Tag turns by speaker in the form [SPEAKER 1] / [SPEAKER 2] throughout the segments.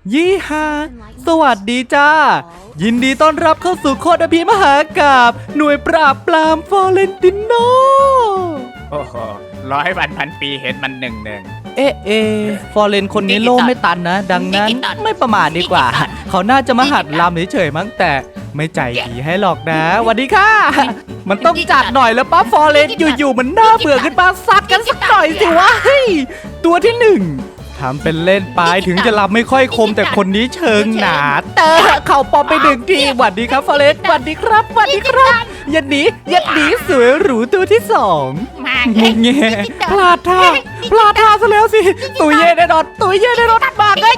[SPEAKER 1] ยี่ฮาสวัสดีจ้ายินดีต้อนรับเข้าสู่โคตรอภิมหากาพย์หน่วยปราบปรามฟอเรนติโน
[SPEAKER 2] โอ้โห100 วัน 1,000 ปีเห็นมันหนึ่ง
[SPEAKER 1] ฟอเรนคนนี้โลกไม่ตันนะ ดังนั้นไม่ประมาทดีกว่า เขาน่าจะมาหัดลำเฉยๆมั้งแต่ไม่ใจดีให้หรอกนะสวัสดีค่ะ มันต้องจัดหน่อยแล้วป้าฟอเรนอยู่ๆมันน่าเบื่อขึ้นมาซัดกันสักหน่อยสิวะตัวที่หนึ่งทำเป็นเล่นไปถึงจะลำไม่ค่อยคมแต่คนนี้เชิงหนาเตอเข่าปอมไปหนึ่งทีสวัสดีครับฟอเรนสวัสดีครับสวัสดีครับยันหนีสวยหรูตัวที่สองงงเงี้ยพลาดท่าซะแล้วสิตุยเย่ได้รถมาเลย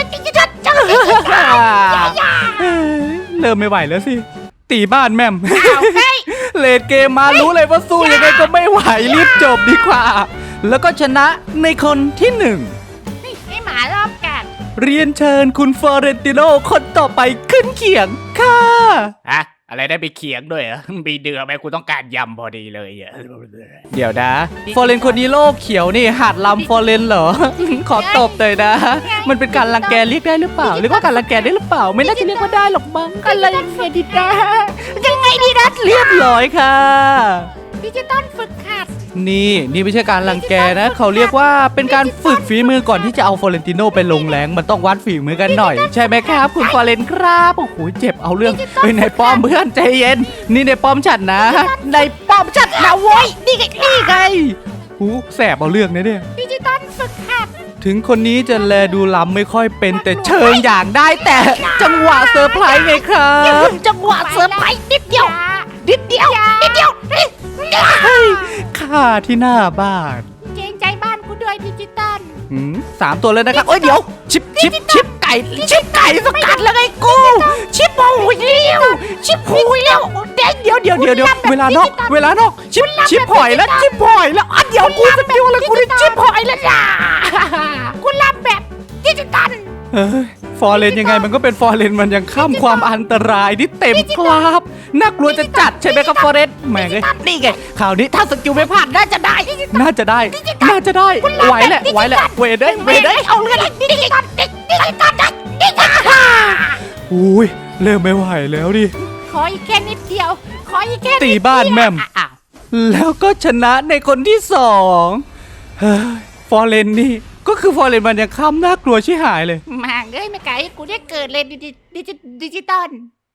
[SPEAKER 1] เริ่มไม่ไหวแล้วสิตีบ้านแม่มเลดเกมมารู้เลยว่าสู้ยังไงก็ไม่ไหวรีบจบดีกว่าแล้วก็ชนะในคนที่หนึ่ง
[SPEAKER 3] ไอหมารอบกัด
[SPEAKER 1] เรียนเชิญคุณฟลอเรนติโนคนต่อไปขึ้นเขียงค่ะ
[SPEAKER 2] อะไรได้ไปเขียงด้วยเหรอมีเดือไหมกูต้องการยำพอดีเลย
[SPEAKER 1] เดี๋ยวนะฟลอเรนคนนี้โลกเขียวนี่หัดลำฟลอเรนเหรอ ขอตบเลยนะ มันเป็นการรังแกเรียกได้หรือเปล่าเรียกว่าการรังแกได้หรือเปล่าไม่น่าจะเรียกว่าได้หรอกมั้งอะไรดีนะยังไงดีนะเรียบร้อยค่ะ
[SPEAKER 3] ดิจิตอลฝึกหัด
[SPEAKER 1] นี่ไม่ใช่การรังแกนะเขาเรียกว่าเป็นการฝึกฝีมือก่อนที่จะเอาฟลอเรนติโนไปลงแรงมันต้องวัดฝีมือกันหน่อยใช่ไหมครับคุณฟลอเรนครับโอ้โหเจ็บเอาเรื่องในป้อมเพื่อนใจเย็นนี่ในป้อมฉันนะในป้อมฉันนะโว้ยนี่ไงหูแสบเอาเรื่องนะเนี่ย
[SPEAKER 3] ดิจิตอลฝึกหัด
[SPEAKER 1] ถึงคนนี้จะแลดูล้ำไม่ค่อยเป็นแต่เชิงอย่างได้แต่จังหวะเซอร์ไพรส์ไงครับ
[SPEAKER 3] จังหวะเซอร์ไพรส์นิดเดียว
[SPEAKER 1] ค่าที่หน้าบ้าน
[SPEAKER 3] เกรงใจบ้านกูด้วยดิจิตอล
[SPEAKER 1] 3 ตัวเลยนะครับเดี๋ยวชิปไก่สกัดแล้วไงกูชิปหูยเร็วเดี๋ยวเวลานอกชิปหอยแล้วเดี๋ยวกูสกิลอะไรกูได้ชิปหอยแล้วจ้า
[SPEAKER 3] กูรับแบบดิจิตอล
[SPEAKER 1] ฟอเรนยังไงมันก็เป็นฟอเรนมันยังข้ามความอันตรายที่เต็มครับน่ากลัวจะจัดใช่ไหมครับฟอเรนแม่งเลยนี่ไงข่าวนี้ถ้าสกิลไม่พลาดน่าจะได้ไหวแหละเวเด้
[SPEAKER 3] เอาเรื่องดิจิตอล
[SPEAKER 1] อุ้ยเริ่มไม่ไหวแล้วดิ
[SPEAKER 3] ขออีกแค่นิดเดียว
[SPEAKER 1] ตีบ้านแม่มแล้วก็ชนะในคนที่2ฟอเรนนี่ก็คือฟอเรนมันยังข้ามน่ากลัวชิหายเลย
[SPEAKER 3] มาไม่ไกลกูได้เกิดเลยดิจิตอล